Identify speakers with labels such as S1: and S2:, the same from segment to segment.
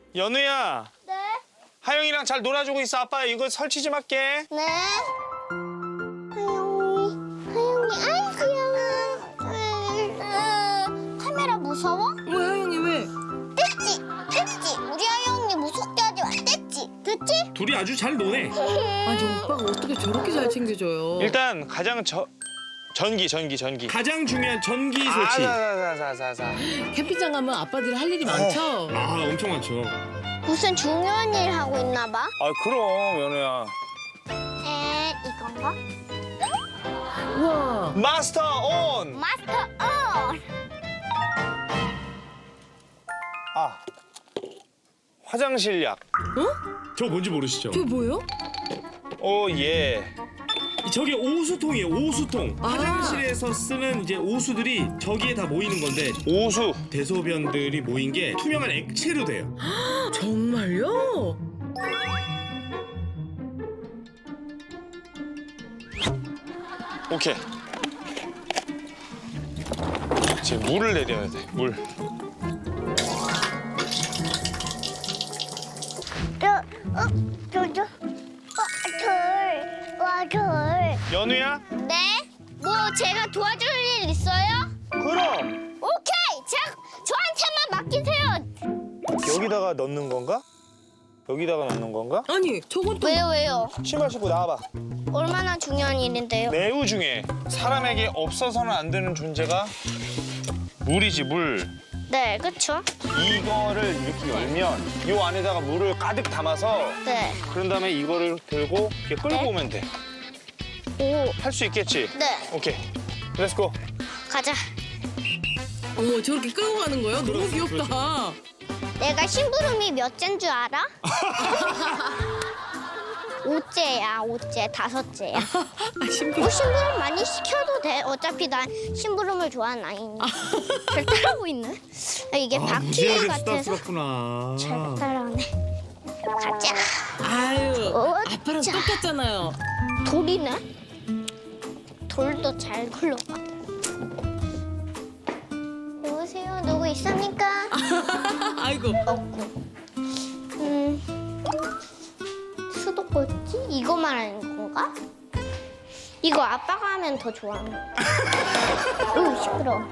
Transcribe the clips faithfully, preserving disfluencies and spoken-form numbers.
S1: 연우야,
S2: 네.
S1: 하영이랑 잘 놀아주고 있어. 아빠 이거 설치 좀 할게.
S2: 네. 하영이, 하영이, 아이 귀여워. 으, 카메라 무서워?
S3: 왜 하영이 왜?
S2: 됐지, 됐지. 우리 하영이 무섭게 하지 마. 됐지, 됐지?
S1: 둘이 아주 잘 노네.
S3: 아니 오빠가 어떻게 저렇게 잘 챙겨줘요?
S1: 일단 가장 저 전기, 전기, 전기.
S4: 가장 중요한 전기
S1: 아,
S4: 설치.
S1: 자자자자자.
S3: 캠핑장 가면 아빠들이 할 일이 많죠?
S4: 아, 엄청 많죠.
S2: 무슨 중요한 일 하고 있나 봐.
S1: 아 그럼 연우야.
S2: 에, 이건가?
S3: 우와.
S1: 마스터 온.
S2: 마스터 온.
S1: 아 화장실 약.
S4: 저 뭔지 모르시죠?
S3: 저게 뭐예요?
S1: 오 예.
S4: 저게 오수통이에요, 오수통.
S3: 아.
S4: 화장실에서 쓰는 이제 오수들이 저기에 다 모이는 건데
S1: 오수.
S4: 대소변들이 모인 게 투명한 액체로 돼요.
S3: 정말요?
S1: 오케이. 이제 물을 내려야 돼. 물.
S2: 저, 어, 저, 저, 어, 절, 와, 절.
S1: 연우야?
S2: 네? 뭐 제가 도와줄 일 있어요?
S1: 그럼
S2: 오케이! 제가 저한테만 맡기세요.
S1: 여기다가 넣는 건가? 여기다가 넣는 건가?
S3: 아니 저건 또
S2: 왜요, 왜요?
S1: 신발 신고 나와봐.
S2: 얼마나 중요한 일인데요?
S1: 매우 중요해. 사람에게 없어서는 안 되는 존재가 물이지 물.
S2: 네, 그쵸?
S1: 이거를 이렇게 열면 이 안에다가 물을 가득 담아서
S2: 네.
S1: 그런 다음에 이거를 들고 이렇게 끌고
S2: 네?
S1: 오면 돼.
S2: 오,
S1: 할 수 있겠지?
S2: 네.
S1: 오케이. 렛츠고.
S2: 가자.
S3: 어머 저렇게 끌고 가는 거예요? 너무 귀엽다.
S2: 내가 심부름이 몇 째인 줄 알아? 오째야, 오째, 다섯째야.
S3: 아, 신비.
S2: 뭐 심부름 많이 시켜도 돼. 어차피 난 심부름을 좋아하는 아이니까. 잘 따라하고 있네. 아, 이게
S4: 아,
S2: 바퀴
S4: 무지하게
S2: 같아서
S4: 쓰다쓰다구나.
S2: 잘 따라하네. 가자.
S3: 아유
S2: 어,
S3: 아빠랑
S2: 자.
S3: 똑같잖아요.
S2: 돌이네? 돌도 잘 굴러가. 여보세요? 누구 있습니까?
S3: 아이고.
S2: 없고. 음, 수도꼭지? 이거 말하는 건가? 이거 아빠가 하면 더 좋아하는 거. 오, 시끄러워.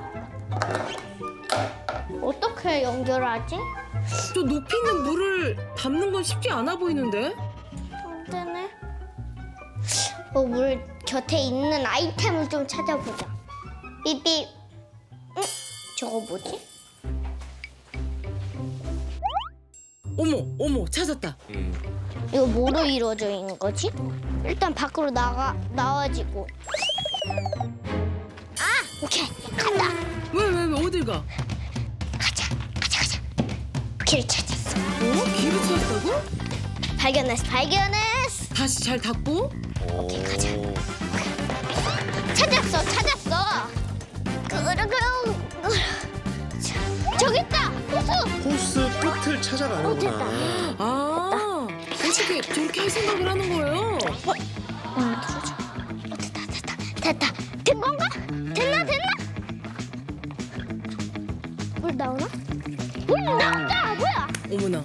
S2: 어떻게 연결하지?
S3: 저 높이 있는 물을 담는 건 쉽지 않아 보이는데?
S2: 안 되네. 어, 물 곁에 있는 아이템을 좀 찾아보자. 삐삐. 응? 저거 뭐지?
S3: 어머 어머 찾았다.
S2: 이거 뭐로 이루어져 있는 거지? 일단 밖으로 나가 나와지고. 아, 오케이. 간다.
S3: 왜 왜 왜 어딜 가?
S2: 가자. 가자, 가자. 길 찾았어.
S3: 어? 길을 찾았다고?
S2: 발견했어. 발견했어.
S3: 다시 잘 닫고?
S2: 오케이, 가자. 찾았어. 찾았어. 그르그르. 저기 있다. 호수.
S4: 호스 끝을
S2: 어,
S4: 찾아가는구나.
S2: 됐다.
S3: 아 어떻게 저렇게 할 생각을 하는 거예요?
S2: 어, 들어줘. 어, 됐다, 됐다, 됐다. 된 건가? 됐나, 됐나? 물 나오나? 물 나온다! 뭐야?
S3: 어머나.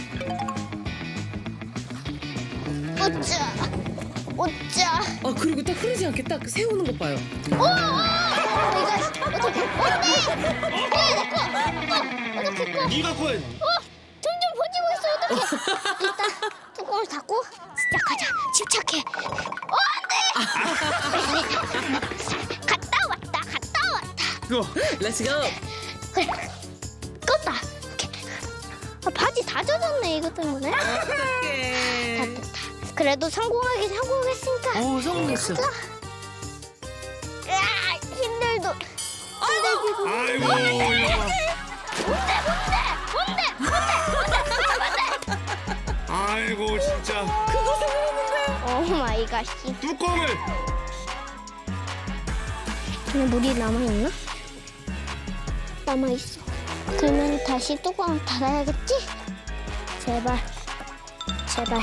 S2: 어짜, 어짜.
S3: 아 그리고 딱 흐르지 않게 딱 세우는 것 봐요.
S2: 오! 오! 이거 어떻게? 어떡해! 내 거! 어, 어떡해, 거?
S4: 네가 건
S2: 어! 점점 번지고 있어, 어떡해! 일단 뚜껑을 닫고 시작하자. 침착해. 어, 안 돼! 갔다 왔다, 갔다 왔다.
S4: 그거
S3: 렛츠고.
S2: 그래, 껐다. 오케이. 아, 바지 다 젖었네, 이것 때문에.
S3: 어떡해.
S2: 다, 다. 그래도 성공하긴 성공했으니까.
S3: 어 성공했어.
S2: 으아, 힘들도. 힘들기도.
S4: 아이고 이거 봐.
S2: 뭔데, 뭔데, 뭔데, 뭔데,
S4: 아이고 진짜
S2: 뭔데. 오 마이 갓.
S4: 뚜껑을
S2: 그냥 물이 남아있나? 남아있어. 그러면 다시 뚜껑을 닫아야겠지? 제발. 제발.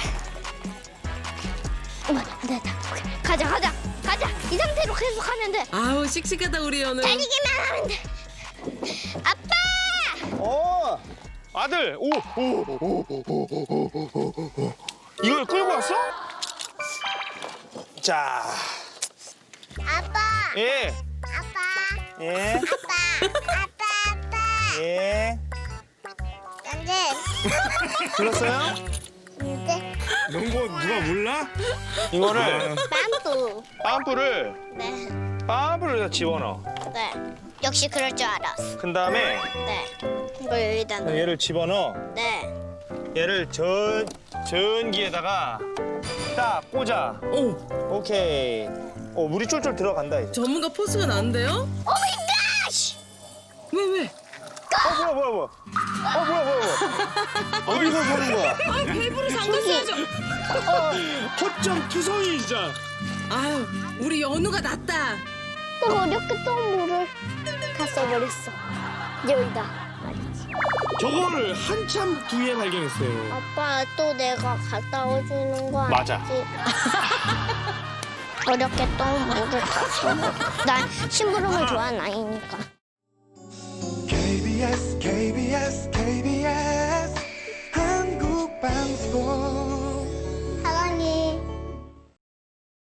S2: 어, 안 됐다. 오케이. 가자, 가자, 가자. 이 상태로 계속 하면 돼.
S3: 아우 씩씩하다 우리 연우.
S2: 달리기만 하면 돼. 아빠!
S1: 어. 아들. 오, 오, 오, 오, 오, 오, 오, 오. 이걸 끌고 왔어? 자,
S2: 아빠.
S1: 예,
S2: 아빠.
S1: 예,
S2: 아빠. 아빠. 아빠.
S1: 예.
S2: 안돼.
S1: 들었어요?
S2: 안돼.
S4: 이런 거 누가 몰라?
S1: 이거를
S2: 빰뿌.
S1: 빰프를
S2: 네.
S1: 빰프를 여기다 집어넣어.
S2: 네. 역시 그럴 줄 알았어.
S1: 그 다음에
S2: 네. 이걸 여기다 넣어.
S1: 얘를 집어넣어.
S2: 네.
S1: 얘를 전 전기에다가 딱 꽂아.
S3: 오,
S1: 오케이. 어 물이 쫄쫄 들어간다 이제.
S3: 전문가 포스가 나는데요?
S2: 오 마이 갓!
S3: 왜, 왜?
S1: 어 뭐야 뭐야 뭐야. 어 뭐야 뭐야 뭐야. 어디서 보는 거야?
S3: 아, 밸브를 잠갔어야죠.
S4: 허점 투성이 진짜.
S3: 아유, 우리 연우가 낫다.
S2: 내가 어렵게 떠온 물을 다 써버렸어. 여기다.
S4: 저거를 한참 뒤에 발견했어요.
S2: 아빠 또 내가 갔다 오주는 거
S1: 맞아.
S2: 아니지? 어렵게 떠온 물을 다 써버렸어. 난 심부름을 좋아하는 아이니까.